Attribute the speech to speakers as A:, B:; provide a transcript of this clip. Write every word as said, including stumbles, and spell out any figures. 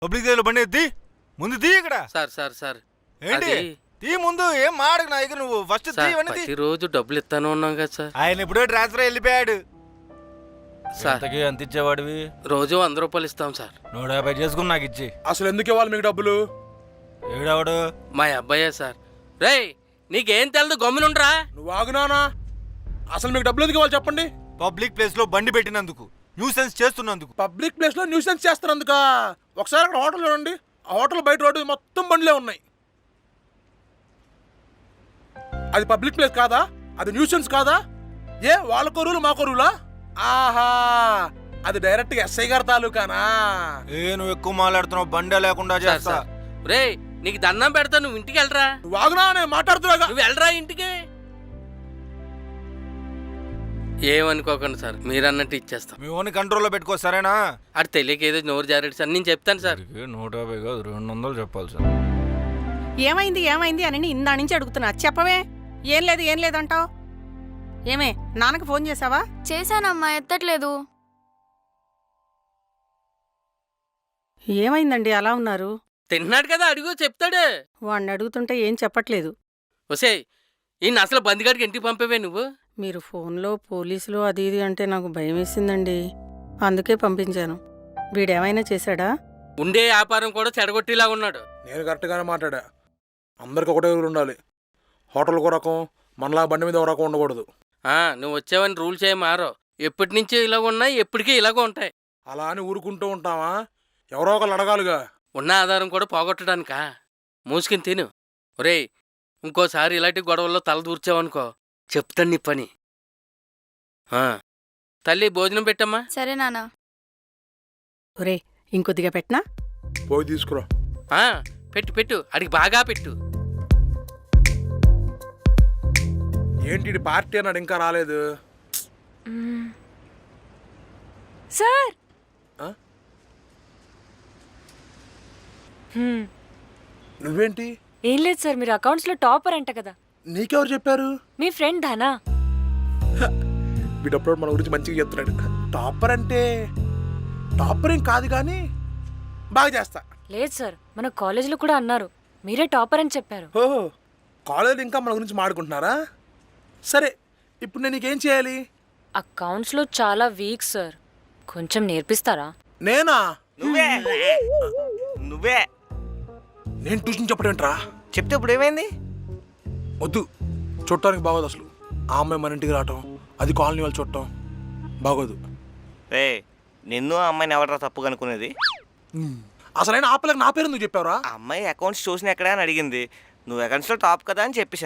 A: Public దగ్గర బండి ఎత్తి ముందు తీ ఇక్కడ.
B: సార్ సార్ సార్
A: ఏంటి తీ ముందు, ఏం మాడకు నా దగ్గర నువ్వు ఫస్ట్ తీ.
B: రోజు డబ్బులు ఇస్తాను ఉన్నాం కదా సార్.
A: ఆయన ఇప్పుడే ట్రాన్స్ఫర్ వెళ్ళిపోయాడు
B: సార్.
A: ఎంత ఇచ్చేవాడివి?
B: రోజు వంద రూపాయలు ఇస్తాం సార్.
A: నూట యాభై చేసుకుని నాకు ఇచ్చి.
C: అసలు ఎందుకు ఇవ్వాలి మీకు డబ్బులు?
A: ఏడావాడు?
B: మా అబ్బాయే సార్. రే నీకేం తెలదు, గమ్మునుండ్రా.
C: నువ్వు ఆగునానా? అసలు మీకు డబ్బులు ఎందుకు ఇవ్వాలి చెప్పండి?
A: పబ్లిక్ ప్లేస్ లో బండి పెట్టినందుకు, న్యూసెన్స్ చేస్తున్నందుకు.
C: పబ్లిక్ ప్లేస్ లో న్యూసెన్స్ చేస్తున్నందుక? ఒకసారి అక్కడ హోటల్ చూడండి, ఆ హోటల్ బయట రోడ్డు మొత్తం బండ్లే ఉన్నాయి. అది పబ్లిక్ ప్లేస్ కాదా? అది న్యూసెన్స్ కాదా? ఏ వాళ్ళ కొరువులు మా కొరువులా? ఆహా, అది డైరెక్ట్ గా ఎస్ఐ గారి తాలూకానా?
A: ఏ నువ్వు ఎక్కువ మాట్లాడుతున్నావు, బండే లేకుండా చేస్తా.
B: రే నీకు దండం పెడతా, నువ్వు ఇంటికి వెళ్ళరా.
C: నువ్వు ఆగునా, నేను మాట్లాడుతున్నా.
B: నువ్వు వెళ్ళరా ఇంటికి. ఏమనుకోకండి సార్, మీరు అన్నట్టు ఇచ్చేస్తాం.
A: మీ ఓన్ కంట్రోల్లో పెట్టుకో, సరేనా?
B: అది తెలియక ఏదో నోరు జారేడు సార్, నేను చెప్తాను సార్.
A: నూట యాభై కాదు, రెండు వందలు చెప్పాలి సార్.
D: ఏమైంది ఏమైంది అని ఇందా నుంచి అడుగుతున్నా, చెప్పవే. ఏం లేదు ఏం లేదంటావు. ఏమే నాన్నకు ఫోన్ చేసావా?
E: చేశానమ్మా, ఎత్తట్లేదు.
D: ఏమైందండి అలా ఉన్నారు?
B: తిన్నాడు కదా, అడుగు చెప్తాడు.
D: వాడిని అడుగుతుంటే ఏం చెప్పట్లేదు.
B: ఒసే ఈయన అసలు బందిగాడికి ఇంటికి పంపేవే నువ్వు.
D: మీరు ఫోన్లో పోలీసులు అది ఇది అంటే నాకు భయం వేసిందండి, అందుకే పంపించాను. వీడేమైనా చేశాడా?
B: ఉండే వ్యాపారం కూడా చెడగొట్టేలా ఉన్నాడు.
C: నేను కరెక్ట్గానే మాట్లాడా. అందరికి ఒకటే ఊరు ఉండాలి. హోటల్కి ఒక రకం, మనలా బండి మీద ఒక రకం ఉండకూడదు.
B: ఆ నువ్వు వచ్చావని రూల్స్ ఏం మారో. ఎప్పటి నుంచి ఇలాగ ఉన్నాయి, ఎప్పటికీ ఇలాగ ఉంటాయి.
C: అలా అని ఊరుకుంటూ ఉంటావా? ఎవరో ఒకళ్ళు అడగాలిగా.
B: ఉన్న ఆధారం కూడా పోగొట్టడానికా? మూసుకుని తిను. ఒరేయ్ ఇంకోసారి ఇలాంటి గొడవల్లో తల దూర్చావనుకో, చెప్తాను నీ పని. తల్లి భోజనం పెట్టమ్మా.
E: సరే నాన్న.
D: ఒరే ఇంకొద్దిగా పెట్టనా?
C: పోయి తీసుకురా.
B: పెట్టు పెట్టు, అడిగి బాగా పెట్టు.
C: ఏంటి పార్టీ అన్నాడు, ఇంకా రాలేదు
F: సార్.
C: నువ్వేంటి?
F: ఏం లేదు సార్, మీరు అకౌంట్స్ లో టాపర్ అంట కదా.
C: నీకెవరు చెప్పారు?
F: మీ ఫ్రెండ్ ధనా.
C: వీడప్పుడు మన గురించి మంచిగా చెప్తున్నాడు. టాపర్ అంటే టాపర్ ఏం కాదు కానీ బాగా చేస్తా.
F: లేదు సార్, మన కాలేజీలో కూడా అన్నారు మీరే టాపర్ అని చెప్పారు.
C: ఓహో, కాలేజీలో ఇంకా మన గురించి మాట్లాడుకుంటున్నారా? సరే, ఇప్పుడు నేను నీకేం చేయాలి?
F: అకౌంట్స్ లో చాలా వీక్ సార్, కొంచెం నేర్పిస్తారా?
C: నేనా?
G: నువ్వే నువ్వే
C: నేను ట్యూషన్ చెప్పడేంట్రా?
G: చెప్తే ఇప్పుడు ఏమైంది?
C: వద్దు, చూడటానికి బాగోదు. అసలు ఆ అమ్మాయి మన ఇంటికి రావటం, అది కాలనీ వాళ్ళు చూడటం బాగోదు.
G: రే నిన్ను ఆ అమ్మాయిని ఎవడరా తప్పు కనుక్కునేది?
C: అసలైన ఆ పిల్లకి నా పేరు నువ్వు చెప్పావురా?
G: ఆ అమ్మాయి అకౌంట్స్ చూసిన ఎక్కడా అని అడిగింది. నువ్వు అకౌంట్స్లో టాప్ కదా అని చెప్పేసి